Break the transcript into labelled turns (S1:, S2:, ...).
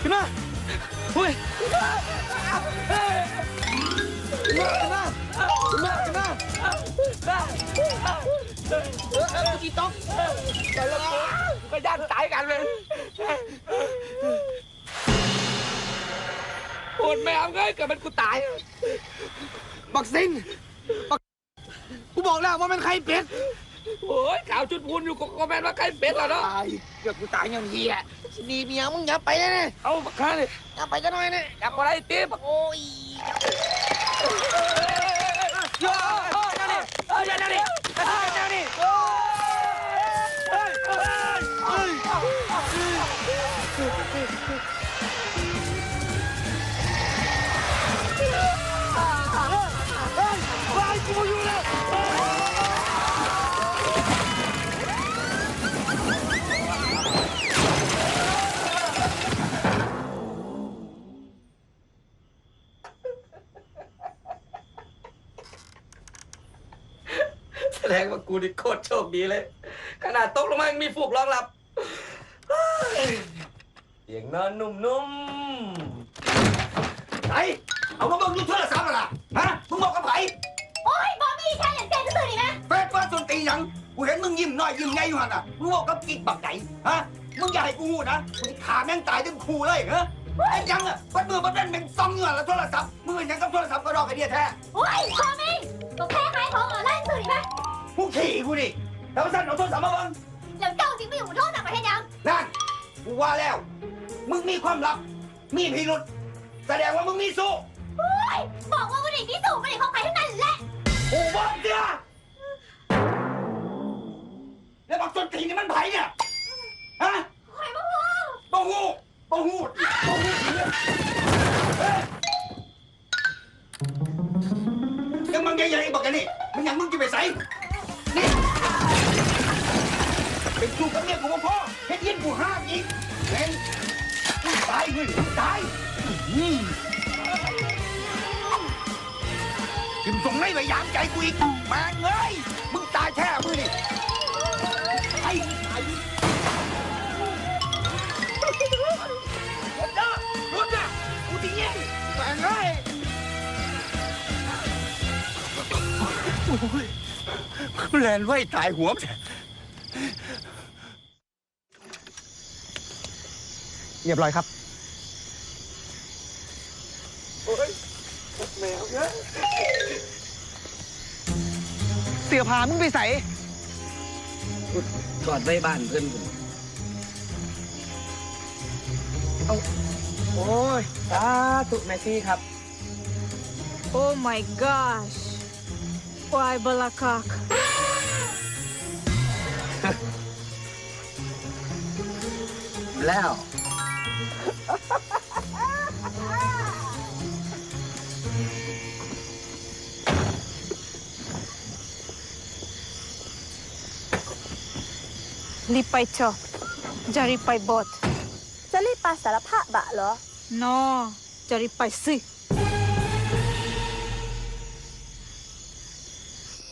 S1: ขึ้นมาเฮ้ยกูจีต้องแต่ละคนก็ย่านตายกันเลยปวดแม่เอาเงยเกิดมันกูตายบักซินกูบอกแล้วว่ามันไข่เป็ดโอ้ยข่าวจุดพูนอยู่ก็แม่นว่าไข่เป็ดแล้วเนาะเกิดกูตายอย่างเหี้ยดีเมียมึงอย่าไปเลยนะเอาบักข้าเลยอย่าไปกันหน่อยนะอย่าไปไรตีบักโอ้ยเดี๋แสดงว่ากูนี่โคตรโชคดีเลยขนาดตกลงมายังมีฟูกรองรับเสียงนอนนุ่มๆไอ้เอามาเบิ่งดูโทรศัพท์ล่ะฮะมึงบอกกับไผ
S2: โอ้ยบอมี่แค่อย่างเต้นซื่อนี่นะ
S1: เฟซว่าส่วนตีหยังกูเห็นมึงยิ้มน้อยยิ้มใหญ่อยู่หันอ่ะมึงบอกกับกิ๊กบักไหนฮะมึงอย่าให้กูหูนะกูจะขาแม่งตายทั้งคู่เลยฮะไอ้ยังอ่ะปัดมือปัดเล่นเป็นซองอยู่แล้วโทรศัพท์มึงเป็นยังกับโทรศัพท์ก็ดอกไอเดียแท้
S2: โอ้ยบอมี่ก็แค่ขายของออนไลน์ซื่อนี่นะ
S1: ผู้ขี่กูดิแล้วสั่นเอาโทรศัพท์มาเบิ่ง
S2: แล้วเจ้าจริงไม่อยู่โทษหนักประเทศยัง
S1: นั่นกูว่าแล้วมึงมีความลับมีพิรุษแสดงว่ามึงมีสู้
S2: โอ้ยบอกว่าวันนี้ที่สูงไม่ได้เข้าไปทั้งนั้นแหละ
S1: กูบอกเดียแล้วบอกต้นตีนี่มันไผ่เนี่ยฮะ
S2: โอ้ยพ่อ
S1: บ่หูบ่หูยังมึงใหญ่ๆบอกกันนี่มึงยังมึงจะไปใส่นี่เป็นชูกับเมียกูพ่อเฮ็ดเย็นกูห้ามอีกเห็นตายมึงตายกิมส่งไม่ไปยามใจกูอีกมาเงยมึงตายแท้มึงนี่ไอ้ไอ้รถนะรถนะกูจะยิงมาเงยโอ้ยแลนไว้ตายหัวแท้เรียบร้อยครับโอ้ยแมวเนี่ยเสียผามึงไปใส่ถอดไว้บ้านเพื่อนผมเอาโอ้ยสาธุแม่ซี่ครับ
S3: Oh my gosh why balakak
S1: แล้ว
S3: Lipay cho Jaripay bot
S2: จะรีบปาสารภาพบะเหรอ
S3: No Jaripay si